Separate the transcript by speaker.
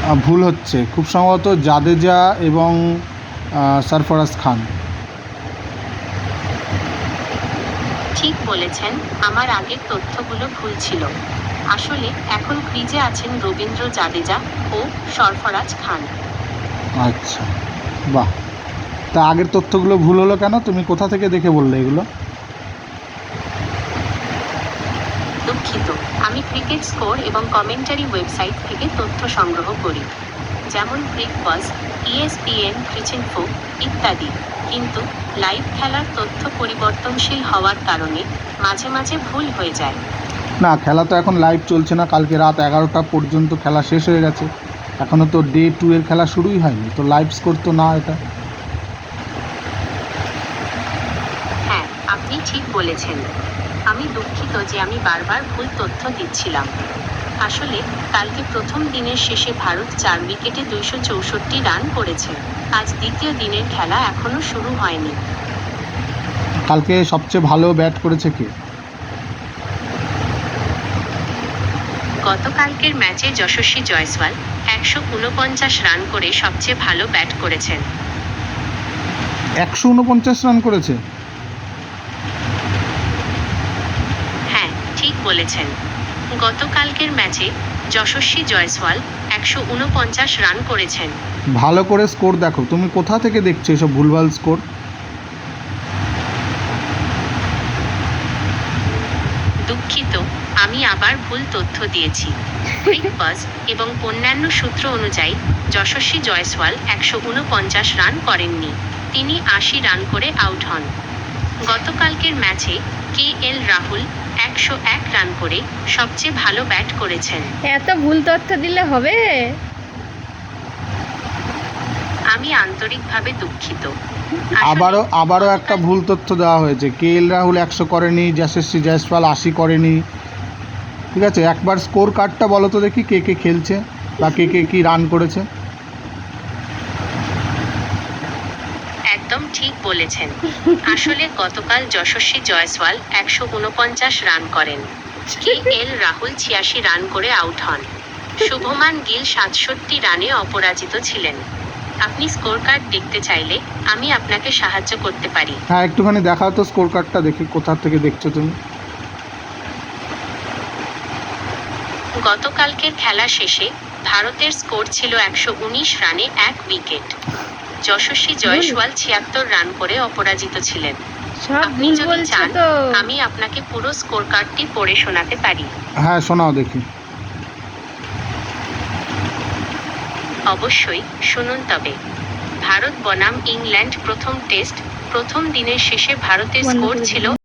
Speaker 1: ভুল হচ্ছে, খুব সম্ভবত জাদেজা এবং সরফরাজ খান।
Speaker 2: ঠিক বলেছেন, আমার আগের তথ্যগুলো ভুল ছিল। আসলে এখন ক্রিজে আছেন রবীন্দ্র জাদেজা ও সরফরাজ খান।
Speaker 1: আচ্ছা, বাহ। তা আগের তথ্যগুলো ভুল হলো কেন? তুমি কোথা থেকে দেখে বললে এগুলো?
Speaker 2: দুঃখিত, আমি ক্রিকেট স্কোর এবং কমেন্টারি ওয়েবসাইট থেকে তথ্য সংগ্রহ করি, যেমন ক্রিকবাজ, ESPN, ক্রিচইনফো ইত্যাদি। কিন্তু লাইভ খেলার তথ্য পরিবর্তনশীল হওয়ার কারণে মাঝে মাঝে ভুল হয়ে যায়।
Speaker 1: না, খেলা তো এখন লাইভ চলছে না। কালকে রাত 11টা পর্যন্ত খেলা শেষ হয়ে গেছে, এখনও তো ডে 2 এর খেলা শুরুই হয়নি, তো লাইভ স্কোর তো না এটা।
Speaker 2: হ্যাঁ, আপনি ঠিক বলেছেন। আমি দুঃখিত যে আমি বারবার ভুল তথ্য দিচ্ছিলাম। আসলে কালকে প্রথম দিনের শেষে ভারত 4 উইকেটে 264 রান করেছে। আজ দ্বিতীয় দিনের খেলা এখনো শুরু হয়নি।
Speaker 1: কালকে সবচেয়ে ভালো ব্যাট করেছে কে?
Speaker 2: গতকালকের ম্যাচে যশস্বী জয়সওয়াল 149 রান করে সবচেয়ে ভালো ব্যাট করেছেন।
Speaker 1: 149 রান করেছে?
Speaker 2: হ্যাঁ, ঠিক বলেছেন। গতকালকের ম্যাচে যশস্বী জয়সওয়াল 149 রান করেছেন।
Speaker 1: ভালো করে স্কোর দেখো, তুমি কোথা থেকে দেখছো এসব ভুলভাল স্কোর?
Speaker 2: দুঃখিত, আমি আবার ভুল তথ্য দিয়েছি। ক্রিকবাজ এবং অন্যান্য সূত্র অনুযায়ী যশস্বী জয়সওয়াল 149 রান করেননি, তিনি 80 রান করে আউট হন। গতকালকের ম্যাচে KL রাহুল 101 রান করে সবচেয়ে ভালো ব্যাট করেছেন।
Speaker 3: এত ভুল তথ্য দিলে হবে?
Speaker 2: আমি আন্তরিকভাবে দুঃখিত।
Speaker 1: আবারও একটা ভুল তথ্য দেওয়া হয়েছে। KL রাহুল 100 করেনি, যশস্বী জয়সওয়াল 80 করেনি। ঠিক আছে, একবার স্কোর কার্ডটা বলো তো দেখি, কে কে খেলছে বা কে কে কী রান করেছে।
Speaker 2: একদম ঠিক বলেছেন। আসলে গতকাল যশস্বী জয়সওয়াল 149 রান করেন, KL রাহুল 86 রান করে আউট হন, শুভমান গিল 67 রানে অপরাজিত ছিলেন। আপনি স্কোর কার্ড দেখতে চাইলে আমি আপনাকে সাহায্য করতে পারি।
Speaker 1: হ্যাঁ, একটুখানি দেখাও তো স্কোর কার্ডটা, দেখি কোথা থেকে দেখছো তুমি।
Speaker 2: গতকালকের খেলা শেষে ভারতের স্কোর ছিল 119 রানে 1 উইকেট। যশস্বী জয়সওয়াল 76 রান করে অপরাজিত ছিলেন।
Speaker 3: সব
Speaker 2: আপনি
Speaker 3: ভুল
Speaker 2: যদি
Speaker 3: বলছো
Speaker 2: চান
Speaker 3: তো।
Speaker 2: আমি আপনাকে পুরো স্কোর কার্ডটি পড়ে শোনাতে পারি।
Speaker 1: হ্যাঁ, শোনাও দেখি।
Speaker 2: অবশ্যই, শুনুন তবে। ভারত বনাম ইংল্যান্ড প্রথম টেস্ট, প্রথম দিনের শেষে ভারতের
Speaker 3: বন্ধ
Speaker 2: স্কোর
Speaker 3: করে
Speaker 2: ছিল
Speaker 3: দিন।